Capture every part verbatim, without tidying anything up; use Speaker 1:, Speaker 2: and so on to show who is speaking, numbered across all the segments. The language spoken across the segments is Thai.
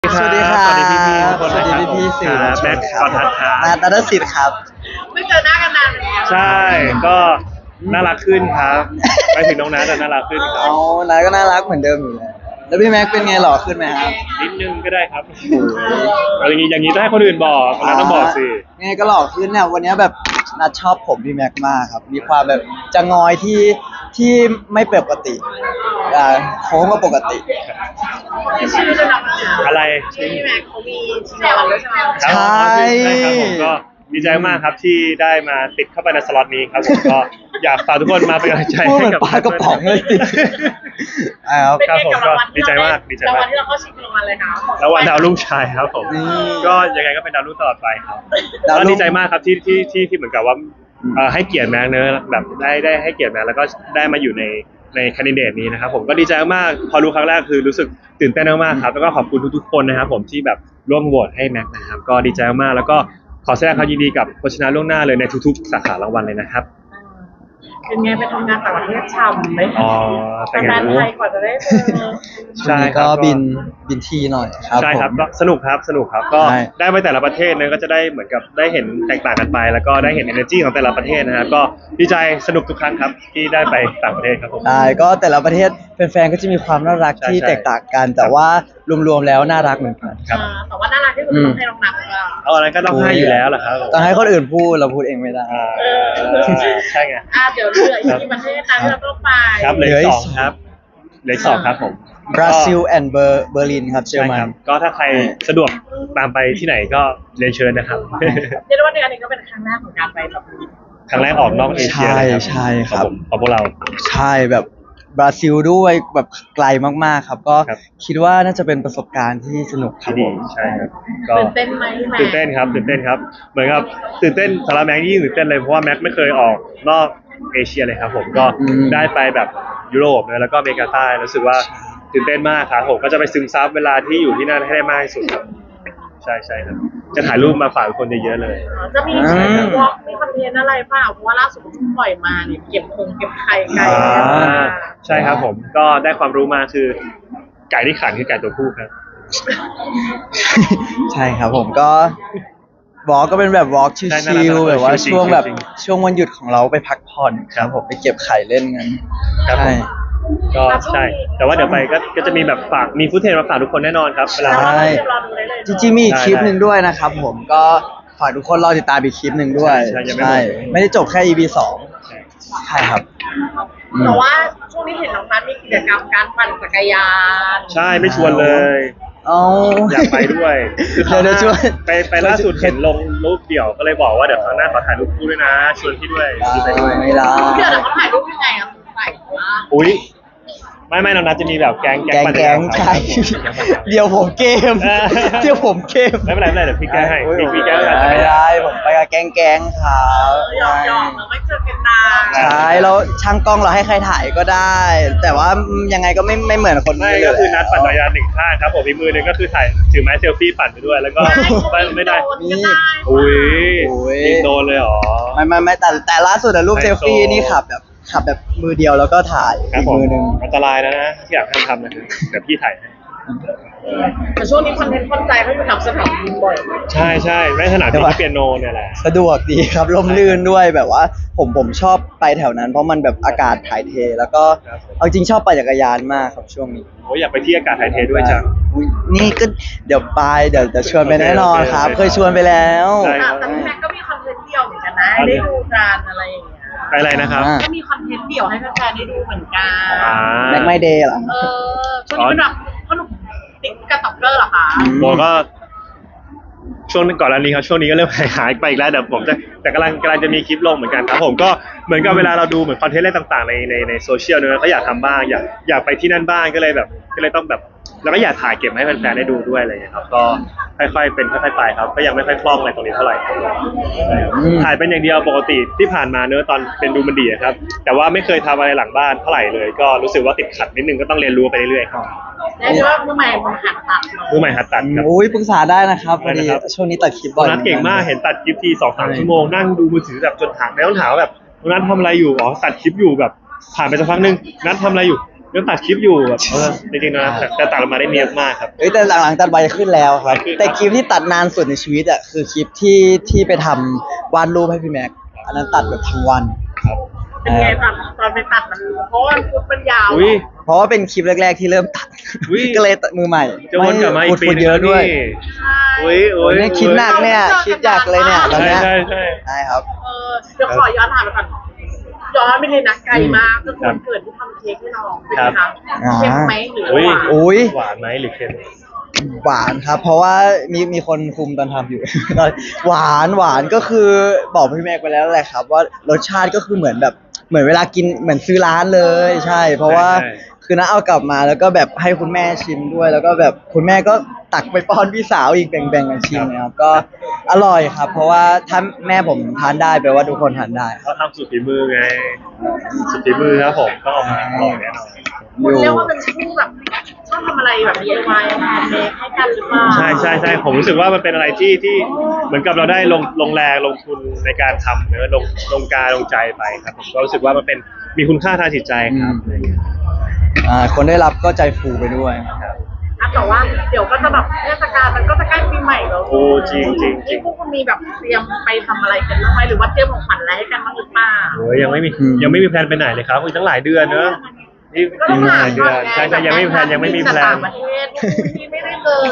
Speaker 1: สวัสดีครับสวัสดีพี่ๆทุกคนนะครับสวัสดีพี่ๆสื่อมวลชนครับแม็กซ์กรทัศน์ครับ
Speaker 2: นัทนัทสิทธิ์ครับ
Speaker 3: ไม่เจอหน้ากันนานแล้ว
Speaker 1: ใช่ก็น่ารักขึ้นครับไปถึงน้องนัทน่ารักขึ้นครับ
Speaker 2: เอานัทก็น่ารักเหมือนเดิมอยู่แล้วแล้วพี่แม็กเป็นไงหล่อขึ้นไหมครับ
Speaker 1: นิดนึงก็ได้ครับอะไรอย่างนี้อย่างนี้ต้องให้คนอื่นบอกนัทต้องบอกสิ
Speaker 2: ไงก็หล่อขึ้นเนี่ยวันนี้แบบนัทชอบผมพี่แม็กมากครับมีความแบบจะงอยที่ที่ไม่ปกติอ่าโค้งก็ปกติ
Speaker 3: ชื่อจะนำ
Speaker 1: อะไร
Speaker 3: ชื่อพี่แม็กเขามีชื่อวันด้วยใช่ไหม
Speaker 2: ใช่
Speaker 1: ใช่ครับผมก็ดีใจมากครับที่ได้มาติดเข้าไปในสล็อตนี้ครับผมก็อยากฝากทุกคนมาเป็นกำลังใจให้กับ
Speaker 2: ปลากระป๋องเลยติด
Speaker 1: ครับผมก็ดีใจมากดีใจมาก
Speaker 3: รางวัลที่เราเข้าชิงรางวัลเลยครับ
Speaker 1: รางวัลดาวรุ่งชายครับผมก็ยังไงก็เป็นดาวรุ่งตลอดไปครับก็ดีใจมากครับที่ที่ที่ที่เหมือนกับว่าให้เกียรติแม็กเนอะแบบได้ได้ให้เกียรติแม็กแล้วก็ได้มาอยู่ในในแคนดิเดตนี้นะครับผมก็ดีใจมากพอรู้ครั้งแรกคือรู้สึกตื่นเต้นมากๆครับแล้วก็ขอบคุณทุกๆคนนะครับผมที่แบบร่วมโหวตให้แม็กนะครับก็ดีใจมากแล้วก็ขอแสดงความยินดีกับผู้ชนะล่วงหน้าเลยในทุกๆสาขารางวัลเลยนะครับ
Speaker 3: เป็นไงไปทำงานต่างประเทศช่ำไหม
Speaker 1: อ๋อ
Speaker 3: แต่งานไทยกว่าจะได้เจอ
Speaker 2: ใช่ก็บินบินทีหน่อยครับ
Speaker 1: ใช่ครับก็สนุกครับสนุกครับก็ได้ไปแต่ละประเทศเนี่ยก็จะได้เหมือนกับได้เห็นแตกต่างกันไปแล้วก็ได้เห็น energy ของแต่ละประเทศนะครับก็ดีใจสนุกทุกครั้งครับที่ได้ไปต่างประเทศครับผม
Speaker 2: ใช่ก็แต่ละประเทศแฟนๆก็จะมีความน่ารักที่แตกต่างกันแต่ว่ารวมๆแล้วน่ารักเหมือนกัน
Speaker 1: ครับ
Speaker 3: แต่ว่าน่ารักที่สุดต้องให้น้องนัท
Speaker 1: เอาอะไรก็ต้องให้อยู่แล้วแหละครับ
Speaker 2: ต้องให้คนอื่นพูดเราพูดเองไม่ได้
Speaker 1: ใช่ไง
Speaker 3: อ่าเดี๋ยวเหลืออีกประเทศตามที่เราต้องไป
Speaker 1: ครับเหลือสองครับเหลือสองครับผม
Speaker 2: บราซิลแอนด์เบอร์ลินครับเยอรมัน
Speaker 1: ก็ถ้าใครสะดวกตามไปที่ไหนก็เรียนเชิญนะครับ
Speaker 3: เรียกว่าในอันนี้ก็เป็นครั้งแรกของการไปแบบ
Speaker 1: ครั้งแรกออกนอกเอเชีย
Speaker 2: ใช่ใช่ครับ
Speaker 1: ของพวกเรา
Speaker 2: ใช่แบบบราซิลด้วยแบบไกลมากๆครับก็คิดว่าน่าจะเป็นประสบการณ์ที่สนุกครับ
Speaker 1: ดีใช่ครับ
Speaker 3: ตื่นเต้นไหมแม็ก
Speaker 1: ตื่นเต้นครับตื่นเต้นครับเหมือนกับตื่นเต้นสำหรับแม็กยิ่งตื่นเต้นเลยเพราะว่าแม็กไม่เคยออกนอกเอเชียเลยครับผมก็ได้ไปแบบยุโรปนะแล้วก็อเมริกาใต้รู้สึกว่าตื่นเต้นมากครับผมก็จะไปซึมซับเวลาที่อยู่ที่นั่นให้ได้มากที่สุดครับใช่ใช่ครับจะถ่ายรูปมาฝากคนเยอะๆเลย
Speaker 3: จะมีวอล์กมีคอนเทนต์อะไรเปล่าเพราะว่าล่าสุดเพิ่งปล่อยมาเนี่ยเก็บคงเก็บไข่ไก่
Speaker 1: ใช่ครับผมก็ได้ความรู้มาคือไก่ที่ขันคือไก่ตัวผู้ครับ
Speaker 2: ใช่ครับผมก็วอล์กก็เป็นแบบวอล์กชิลๆแบบว่าช่วงแบบช่วงวันหยุดของเราไปพักผ่อนครับผมไปเก็บไข่เล่นกัน
Speaker 1: ใช่ก็ใช่แต่ว่าเดี๋ยวไปก็ก็จะมีแบบฝากมีฟุตเทจมาฝากทุกคนแน่นอนครับ
Speaker 2: ใช่จริงๆมีอีกคลิปหนึ่งด้วยนะครับผมก็ฝากทุกคนรอติดตามอีกคลิปหนึ่งด้วยใช่ไม่ได้จบแค่ อี พี สองใช่ครับ
Speaker 3: แต่ว่าช่วงนี้เห็นน้องนัทมีกิจกรรมการปั่นจักรยาน
Speaker 1: ใช่ไม่ชวนเลย
Speaker 2: เอา
Speaker 1: อยากไปด้วย
Speaker 2: คือเขาจะชวน
Speaker 1: ไปไปล่าสุดเห็นลงรูปเดี่ยวก็เลยบอกว่าเดี๋ยวครั้งหน้าขอถ่ายรูปคู่ด้วยนะชวนพี่ด้วย
Speaker 2: ไปด้วยไม่ได้
Speaker 3: เดี๋ยวเขาถ่ายรูปยังไงอ่ะใส่
Speaker 1: อุ้ยไม่ไม่น้องนัทจะมีแบบแก๊ง
Speaker 2: แก๊งแก๊งใช่เดี๋ยวผมเกมเดี๋ยวผมเกม
Speaker 1: ไม่เป็นไรไม่เป็นไรเดี๋ยวพี่แก้ให้พี่แก้
Speaker 2: ให้ไม่ได้ผมไปกับแก๊งแก๊งครับ
Speaker 3: หยอกหยอกเราไม่เจอกันนาน
Speaker 2: ใช่แล้วช่างกล้องเราให้ใครถ่ายก็ได้ แต่ว่ายังไงก็ไม่ไม่เหมือนคน
Speaker 1: ไม่ก็คือนัดปั่นจักรยานหนึ่งข้างครับผมอีกมือหนึ่งก็คือถ่ายถือไม้เซลฟี่ปั่นไปด้วยแล้วก็ไม่ได้
Speaker 3: นี่
Speaker 1: อุ้ยยิงโดนเลยหรอ
Speaker 2: ไม่ไม่ไม่แต่แต่ล่าสุดอะรูปเซลฟี่นี่ขับแบบขับแบบมือเดียวแล้วก็ถ่ายอีกมือหนึ่ง
Speaker 1: อันตรายนะนะที่อยากทำทำนะเดี๋ยวพี่ถ่าย
Speaker 3: แต่ช่วงนี้คอนเทนต์คอนใจเขาอยู่แถวสนามบินบ่อย
Speaker 1: ใช่ใช่ไม่สนามบินเปียโนเนี่ยแหละ
Speaker 2: สะดวกดีครับร่มรื่นด้วยแบบว่าผมผมชอบไปแถวนั้นเพราะมันแบบอากาศถ่ายเทแล้วก็เอาจริงชอบปั่นจักรยานมากครับช่วงนี้
Speaker 1: โอ้ยอยากไปที่อากาศถ่ายเทด้วยจัง
Speaker 2: นี่ก็เดี๋ยวไปเดี๋ยวจะชวนไปแน่นอนครับเคยชวนไปแล้ว
Speaker 3: แต่พี่แม็กก็มีคอนเทนต์เดี่ยวเหมือนกันนะได้ดูการอะไรอย่างเงี้ย
Speaker 1: ไปอะไรนะครับ
Speaker 3: ก็มีคอนเทนต์เดี่ยวให้แฟนๆได้ดูเหมือนกัน
Speaker 2: แม็กไม่เดย์เหรอ
Speaker 3: เออช่วงนี้เป็นแบบขนมติ๊กกระต็อกเกอร์เหรอคะ
Speaker 1: โบก็ช่วงก่อนอันนี้ครับช่วงนี้ก็เริ่มหายไปอีกแล้วเดี๋ยวผมจะแต่กำลังกำลังจะมีคลิปลงเหมือนกันครับผมก็เหมือนกับเวลาเราดูเหมือนคอนเทนต์อะไรต่างๆในในในโซเชียลเนอะก็อยากทำบ้างอยากอยากไปที่นั่นบ้างก็เลยแบบก็เลยต้องแบบแล้วก็อยากถ่ายเก็บให้แฟนๆได้ดูด้วยอะไรอย่างเงี้ยครับก็ค่อยๆเป็นค่อยๆไปครับก็ยังไม่ค่อยคล่องอะไรตรงนี้เท่าไหร่ถ่ายเป็นอย่างเดียวปกติที่ผ่านมาเนอะตอนเป็นดูมันดีครับแต่ว่าไม่เคยทำอะไรหลังบ้านเท่าไหร่เลยก็รู้สึกว่าติดขัดนิดนึงก็ต้องเรียนรู้ไปเรื่อยๆครับ
Speaker 3: แล้วว่ามือใหม่มือหัดตัด
Speaker 1: มือใหม่หัดตัดครับ
Speaker 2: โอ้ยปรึกษาได้นะครับพอดีช่วงนี้ตัดคลิปบ่อย
Speaker 1: นัดเก่งมากเห็นตัดคลิปทีสองสามชั่วโมงนั่งดูมือถือแบบจนถามแม่ต้องถามแบบนัดทำอะไรอยู่อ๋อตัดคลิปอยู่แบบผ่านไปสักพักนึงนัดทำอะไรอยู่ยังตัดคลิปอยู่แบบเออจริงๆนะแต่แต่ตัดออกมาได้เนียบมากครับ
Speaker 2: เอ้ยแต่หลังๆตัดไวขึ้นแล้วครับ
Speaker 1: ไวขึ้นครับ
Speaker 2: แต่คลิปที่ตัดนานสุดในชีวิตอ่ะคือคลิปที่ที่ไปทำวาดรูปให้พี่แม็กอันนั้นตัดแบบทั้งวัน
Speaker 1: ครับ
Speaker 3: เป็นไงตัดตอนไปตัดมันเพราะว่าฟุตมันยาว
Speaker 1: อุ้ย
Speaker 2: เพราะว่าเป็นคลิปแรกๆที่เริ่มตัด
Speaker 1: อุ๊ย
Speaker 2: ก็เลยตัดมือใหม่
Speaker 1: จะวนกลับมาอีกปี
Speaker 2: ฝุ่น
Speaker 1: นึง
Speaker 2: เยอะ
Speaker 1: แล้ว
Speaker 2: ด้วย
Speaker 1: นี่
Speaker 3: ใช่
Speaker 1: อุ้ย
Speaker 2: โอ้
Speaker 1: อุ้
Speaker 2: ย
Speaker 1: ย
Speaker 2: เนี่ยคิดหนักเนี่ยคิดอยากเลยเนี่ยตอน
Speaker 1: ใช่
Speaker 2: เนี้ย
Speaker 1: ใช่ใช่
Speaker 2: ใช่ครับ
Speaker 3: เออเดี๋ยวขอย้อนถามไปก่อนย้อนไปเลยนะไกลมากก็คือวันเกิดที่ทำเค้กให้น้องเป็นไงคะเค็มไหมหรือ
Speaker 1: อุ้ย
Speaker 3: หวาน
Speaker 2: โอ้ย
Speaker 1: หวานไหมหรือเค็ม
Speaker 2: หวานครับ เพราะว่ามีมีคนคุมตอนทำอยู่ หวานหวานก็คือบอกพี่แม็กไปแล้วแหละครับ ว่ารสชาติก็คือเหมือนแบบเหมือนเวลากินเหมือนซื้อร้านเลย ใช่ เพราะว่า
Speaker 1: ใช่
Speaker 2: คือน้าเอากลับมาแล้วก็แบบให้คุณแม่ชิมด้วย แล้วก็แบบคุณแม่ก็ตักไปป้อนพี่สาวอีกแบ่งๆกันชิมนะครับก็อร่อยครับ เพราะว่าถ้าแม่ผมทานได้แปลว่าทุกคนทานได้ครับ
Speaker 1: เขาทำสุดฝีมือไงสุดฝีมือครับผมต้องออกมาอร่อยแน่นอน
Speaker 3: คุณเรียกว่าเป็นคู่แบบชอบทำอะไรแบบ ดี ไอ วาย แฮนด์เมดให้กันหรือเปล่า
Speaker 1: ใช่ใช่ใช่ผมรู้สึกว่ามันเป็นอะไรที่ที่เหมือนกับเราได้ลงลงแรงลงทุนในการทำเนอะลงลงกายลงใจไปครับผมก็รู้สึกว่ามันเป็นมีคุณค่าทางจิตใจครับอะไรอย่างเงี้ย
Speaker 2: อ่าคนได้รับก็ใจฟูไปด้วย
Speaker 1: ครับ
Speaker 3: อ่ะแต่ว่าเดี๋ยวก็จะแบบเทศกาลมันก็จะใกล้ปีใหม่แล้ว
Speaker 1: โอ้จริงจริงจริ
Speaker 3: นี่
Speaker 1: ง
Speaker 3: พวกคุณมีแบบเตรียมไปทำอะไรกันบ้างไหมหรือว่าเตรียมของขวัญอะไรให้กันบ้างหรือเปล่า
Speaker 1: โอ้ยยังไม่มี
Speaker 2: อืม
Speaker 1: ยังไม่มีแพลนไปไหนเลยครับอีกตั้งหลายเดือนเนอะนี่
Speaker 3: ก็ต้อง
Speaker 1: อีกห
Speaker 3: หา
Speaker 1: ลายเดื
Speaker 3: ก่
Speaker 1: อ
Speaker 3: อน
Speaker 1: น
Speaker 3: ไง
Speaker 1: ใช่ใช่ยังไม่มีแพลนยังไม่มีแพล
Speaker 3: ต่าน งประเทศที่ไม่ได้เลย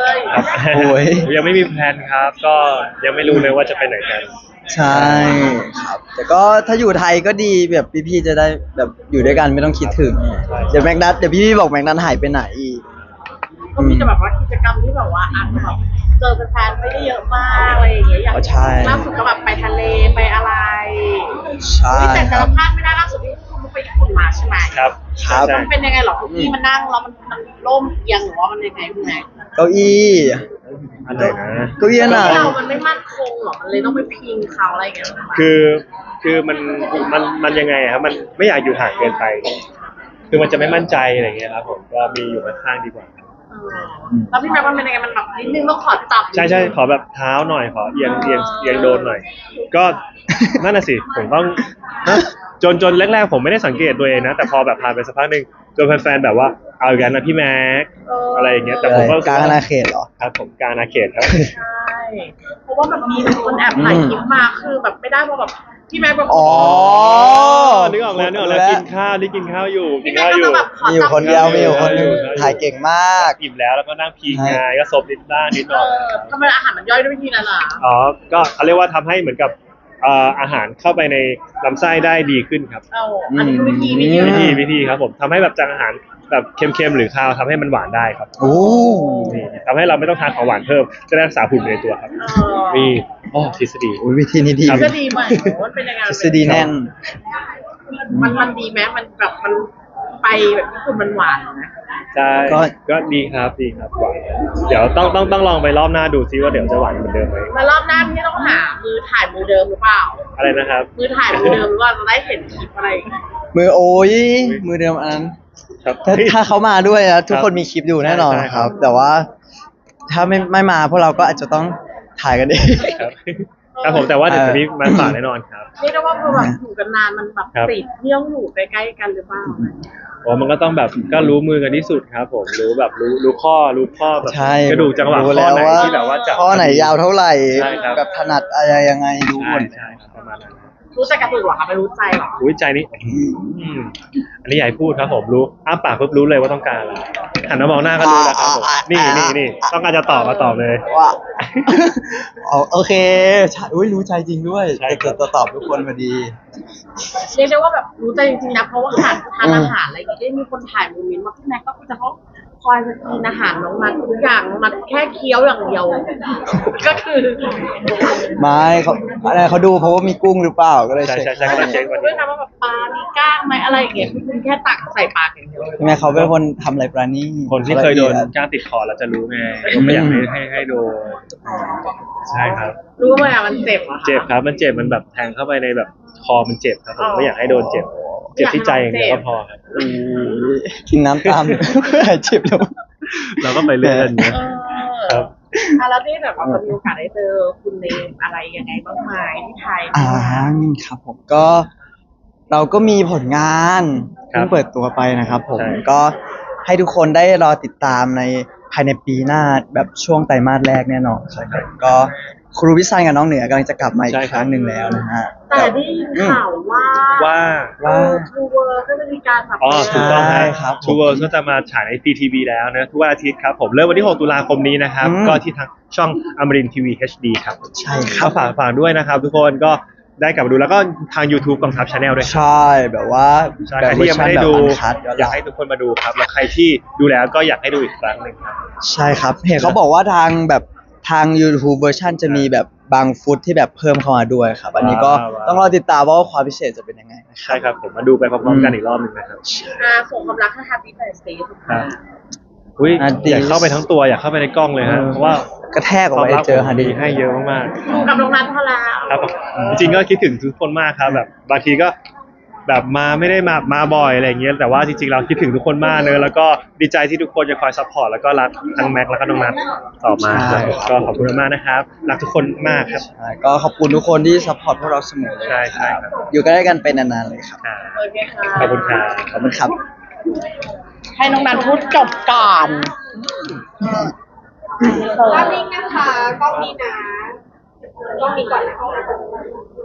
Speaker 1: ครับ
Speaker 2: โอ้ย
Speaker 1: ยังไม่มีแพลนครับ ก็ยังไม่รู้เลยว่าจะไปไหนกัน
Speaker 2: ใช่ครับ แต่ก็ถ้าอยู่ไทยก็ดีแบบพี่ๆจะได้แบบอยู่ด้วยกันไม่ต้องคิดถึง
Speaker 1: ใช่
Speaker 2: เดี๋ยวแม็กนัทเดี๋ยวพี่ๆบอกแม็กนัทหายไปไหนอีก
Speaker 3: ก็มีแต่แบบว่ากิจกรรมที่แบบว่าอาจจะแบบเจอแฟนๆไม่ได้เยอะมากอะไรอย่างเงี้ยอย่าง
Speaker 2: อ๋อใช่
Speaker 3: ล่าสุดก็แบบไปทะเลไปอะไร
Speaker 2: ใช่
Speaker 3: เฮ้ยแต่
Speaker 2: ค
Speaker 3: แต่
Speaker 2: รับ
Speaker 3: ละพลาดไม่ได้ล่าสุดที่คุณไปญี่ปุ่นมาใช่ไหม
Speaker 1: ครับ
Speaker 2: ครับ
Speaker 1: ใช่
Speaker 3: มันเป็นยังไงหรอที่มันนั่งแล้วมันมันล่มเอียงหรือว่ามันยังไงคุณแม่
Speaker 2: เก้าอี้
Speaker 1: อะไรนะ
Speaker 2: เก้าอี้น่ะ
Speaker 3: ที่เรามันไม่มั่นคงหรอมันเลยต้องไปพิงเขาอะไรอย่างเงี้ย
Speaker 1: คือคือมันมันมันยังไงอะครับมันไม่อยากอยู่ห่างเกินไป คือมันจะไม่มั่นใจอะไรเงี้ยครับผมก็มีอยู่ข้างๆดีกว่า
Speaker 3: เออแล้วพี่แม่มันเป็นยังไงมันแบบนิดนึงต้องขอจับ
Speaker 1: ใช่ใช่ขอแบบเท้าหน่อยขอเอียงเอียงเอียงโดนหน่อย ก็นั่นน่ะสิผมต้องนะจนจนแรกๆผมไม่ได้สังเกตตัวเองนะ แต่พอแบบผ่านไปสักพักหนึ่งจนแฟนๆแบบว่าเอาอีกแล้วนะพี่แม็กอะไรอย่างเงี้ยแต่ผมก็รู้สึ
Speaker 2: กลาง
Speaker 1: ว่
Speaker 2: อาณาเขตเหรอ
Speaker 1: ครับผมกลางอาณาเขตครับ
Speaker 3: ใช่เพราะว่าแบบมีคนแอบถ่ายคลิปมาคือแบบไม่ได้เพราะแบบพี่แม่แบบ
Speaker 2: อ๋อ
Speaker 1: นึกออกแล้วนึกออกแล้วกินข้าวนี่กินข้าวอยู่กิ
Speaker 3: พี่
Speaker 1: น
Speaker 3: แม่
Speaker 1: ข้าว
Speaker 3: ก็
Speaker 1: อยู่
Speaker 3: จะแบบขอ
Speaker 2: มีอยู่
Speaker 3: จับ
Speaker 2: คนเดียวมีอยู่คนหนึง
Speaker 1: เออ
Speaker 2: ถ่ายเก่งมาก
Speaker 1: อิ่มแล้วแล้วก็นั่งพิงไงก็ซบนิดบ้างนิดห
Speaker 3: เอ
Speaker 1: น่อย
Speaker 3: อทำไมอาหารมันย่อยด้วยวิธีนั้นล่ะ
Speaker 1: อ๋อก็เขาเรียกว่าทำให้เหมือนกับเอ่ออาหารเข้าไปในลำไส้ได้ดีขึ้นครับ
Speaker 3: เอาอันนี้คือวิธีวิธี
Speaker 2: อืม
Speaker 1: วิธีวิธีครับผมทำให้แบบจางอาหารแบบเค็มๆหรือคาวทำให้มันหวานได้ครับ
Speaker 2: โอ้
Speaker 1: นี่ทำให้เราไม่ต้องทานของหวานเพิ่มจะได้รักษาหุ่นไปในตัวครับ
Speaker 3: เออ
Speaker 1: นี่อ๋อทฤษฎี
Speaker 2: โอ้ยวิธีนี้ดี
Speaker 1: ครับ
Speaker 3: ก็ดีไหมมันเป็นยังไง
Speaker 2: ทฤษฎีแน่น
Speaker 3: มันมันดีไหมมันแบบมันไปแบบญี่ปุ่นมันหวานนะ
Speaker 1: ใช่
Speaker 2: ก็
Speaker 1: ก็ดีครับดีครับหวานเดี๋ยวต้องต้องต้องลองไปรอบหน้าดูซิว่าเดี๋ยวจะหวานเหมือนเดิมไหม
Speaker 3: แล้วรอบหน้าพี่ต้องหามือถ่ายมือเดิมหรือเปล่า
Speaker 1: อะไรนะครับ
Speaker 3: มือถ่ายมือเดิมหรือว่าจะได้เห็นคลิปอะไรอย่างเงี้ย
Speaker 2: มือโอ้ยมือเดิมอันนั้น
Speaker 1: ครับ
Speaker 2: ถ้าถ้าเขามาด้วยนะทุกคนมีคลิปอยู่แน่นอน
Speaker 1: ใช่
Speaker 2: ค
Speaker 1: ครั
Speaker 2: รับ
Speaker 1: บ
Speaker 2: แต่ว่าถ้าไม่ไม่มาพวกเราก็อาจจะต้องถ่ายกันเอง
Speaker 1: ครับครับผมแต่ว่าเดี๋ยวจะมีมาฝากแน่นอนครับ
Speaker 3: เรียกได้ว่าพอแบบอยู่กันนานมันแบบ
Speaker 1: ครับ
Speaker 3: ติดเที่ยวอยู่ใกล้ๆกันหรือเปล่า
Speaker 1: อ๋อมันก็ต้องแบบก็รู้มือกันที่สุดครับผมรู้แบบรู้รู้ข้อรู้ข้อแบบ
Speaker 2: ใช่
Speaker 1: กระดูกจังหวะ
Speaker 2: รู้
Speaker 1: ข้
Speaker 2: แล้
Speaker 1: อ
Speaker 2: ว
Speaker 1: ไหน
Speaker 2: ว่า
Speaker 1: ที่แบบว่าจับ
Speaker 2: ข้อไหนยาวเท่าไหร่
Speaker 1: ใช่ครับ
Speaker 2: แบบถนัดอะไรยังไงรู้ห
Speaker 1: ใช่
Speaker 2: มด
Speaker 1: ใช่ครับประมาณนั้น
Speaker 3: รู้ใจกระตุกเหรอคะไม่รู้ใจเหรอ
Speaker 1: อุ้ยใจนี้อืมอันนี้ใหญ่พูดครับผมรู้อ้าปากปุ๊บรู้เลยว่าต้องการอะไรหันมามองหน้าก็รู้แล้วครับผมนี่นี่นี่ต้องการจะตอบมาตอบเลย
Speaker 2: ว่าอ๋อโอเคใช่อุ้ยรู้ใจจริงด้วย
Speaker 1: ใช่ครับ
Speaker 2: จะตอบทุกคนพอดี
Speaker 3: เรียกได้ว่าแบบรู้ใจจริงๆนะเพราะว่าทานทานอาหารอะไรอย่างเงี้ยได้มีคนถ่ายโมเมนต์มาพี่แม็กก็จะเขาคอยจะกินอาหารน้องนัททุกอย่างน้องนัทแค่เคี้ยวอย่างเดียว ก็คือ
Speaker 2: ไม่เขาอะไรเขาดูเพราะว่ามีกุ้งหรือเปล่าก็เลย
Speaker 1: ใช่
Speaker 2: เช็ค
Speaker 1: ใช่ใช่ก็ต้องเช็ควัน
Speaker 3: ด้วย
Speaker 1: นี้
Speaker 3: นะว่าแบบปลา มีก้างไหมอะไรอย่างเงี้ยคุณแค่ตักใส่ปากอย่างเดียว
Speaker 2: ใช่ไหมเขาเป็นคนทำอะไรปราณี
Speaker 1: คนที่เคยโดน
Speaker 2: ละอี
Speaker 1: ก้างติดคอแล้วจะรู้ไงก็ไม่อยากให้ให้ให้โดนใช่ครับ
Speaker 3: รู้ไหมอะมันเจ็บเหรอะคะ
Speaker 1: เจ็บครับมันเจ็บมันแบบแทงเข้าไปในแบบคอมันเจ็บครับผ
Speaker 3: อ๋
Speaker 1: ม
Speaker 3: อ
Speaker 1: ไม่อยากให้โดนเจ็บ เจ็บที่ใจอย่างเดียวก็พอครับ
Speaker 2: อุ้ยกินน้ำตามหายเจ็บแล้ว
Speaker 1: เราก็ไปเรื่อยๆอย่างเงี้ย
Speaker 3: เออ
Speaker 1: ครับ
Speaker 3: อ่ะแล้วที่แบบว่ามีโอกาสได้เจอคุณเนมอะไรยังไงบ้างไหมที่ไทย
Speaker 2: อ่าครับผมก็เราก็มีผลงาน
Speaker 1: ครับ
Speaker 2: เพิ่งเปิดตัวไปนะครับผม
Speaker 1: ใช่
Speaker 2: ก็ให้ทุกคนได้รอติดตามในภายในปีหน้าแบบช่วงไตรมาสแรกแน่นอนครับก็ครูพิซันกับน้องเหนือกำลังจะกลับมาอี
Speaker 1: ใช่
Speaker 2: ก
Speaker 1: ครับ
Speaker 2: ครั้งหนึ่งแล้วนะฮะ
Speaker 3: แต่ได้ยินข่าวว่า
Speaker 1: ว่า
Speaker 2: ว่า
Speaker 3: ทูเวอร์ก็จะมีการแบบ
Speaker 1: อ๋อถูกต้อง
Speaker 2: ใช่
Speaker 1: ค
Speaker 2: ครั
Speaker 1: รับบ ทูเวิร์ก็จะมาฉายใน ซี ที วี แล้วนะทุกวันอาทิตย์ครับผมเริ่มวันที่หกตุลาคมนี้นะครับ
Speaker 2: อืม
Speaker 1: ก็ที่ทางช่องอมรินทีวี เอช ดี ครับ
Speaker 2: ใช่ครับ
Speaker 1: ก็ฝากฝากด้วยนะครับ ทุกคนก็ได้กลับมาดูแล้วก็ทาง YouTube กองทัพ Channel ด้วยครับ
Speaker 2: ใช่แบบว่า
Speaker 1: ใช่
Speaker 2: แบ
Speaker 1: ใคร
Speaker 2: บเวอ
Speaker 1: ที่
Speaker 2: ร์
Speaker 1: ยัง
Speaker 2: ชัน
Speaker 1: ไม่ได้
Speaker 2: แบบ
Speaker 1: ดู
Speaker 2: อันคัดย้อนห
Speaker 1: อยา
Speaker 2: ลั
Speaker 1: ก
Speaker 2: ง
Speaker 1: ให้ทุกคนมาดูครับแล้วใครที่ดูแล้วก็อยากให้ดูอีกครั้งหนึ่งครับ
Speaker 2: ใช่ครับ เห็นเขาบอกว่าทางแบบทาง YouTube เวอร์ชันจะมีแบบบางฟุตที่แบบเพิ่มเข้ามาด้วยครับ อันนี้ก็
Speaker 1: ว้าว
Speaker 2: ต้องรอติดตามว่าความพิเศษจะเป็นยังไงนะครั
Speaker 1: ใช่ครับผมมาดูไปพร้อมๆกันอีกรอบหนึ่งนะครับ
Speaker 3: อ่าส่งความรักให้ Happy Birthday ทุกค
Speaker 1: ครั
Speaker 3: น
Speaker 1: บ อุ้ย
Speaker 2: อ่ะดี
Speaker 1: อยากเข้าไปทั้งตัวอยากเข้าไปในกล้องเลยฮะเพราะว่าก
Speaker 2: ระแทกออก
Speaker 1: ความ
Speaker 2: ไป
Speaker 1: รัก
Speaker 2: เจอฮัน
Speaker 1: ดี
Speaker 2: ดี
Speaker 1: ให้เยอะมาก
Speaker 3: อยู่กับน้องนัทพอแล้ว
Speaker 1: ๆครับจริงๆก็คิดถึงทุกคนมากครับแบบบางทีก็แบบมาไม่ได้มามาบ่อยอะไรอย่างเงี้ยแต่ว่าจริงๆเราคิดถึงทุกคนมากเนอะแล้วก็ดีใจที่ทุกคนจะคอยซัพพอร์ตแล้วก็รักทั้งแม็กซ์แล้วก็น้องนัทต่อมาครับก็ขอบคุณมากๆนะครับรักทุกคนมากครับ
Speaker 2: ใช่ก็ขอบคุณทุกคนที่ซัพพอร์ตพวกเราเสมอเลย
Speaker 1: ใช่ใช่ครับ
Speaker 2: อยู่กันได้กันเป็นนานๆเลยครับ
Speaker 1: อ่า
Speaker 3: โอเคค่ะ
Speaker 1: ขอบคุณครับ
Speaker 2: ขอบคุณครับ
Speaker 3: ให้น้องนัทพูดจบก่อน
Speaker 4: กล้องนี้นะคะกล้องนี้นะกล้องนี้ก่อนนะคะ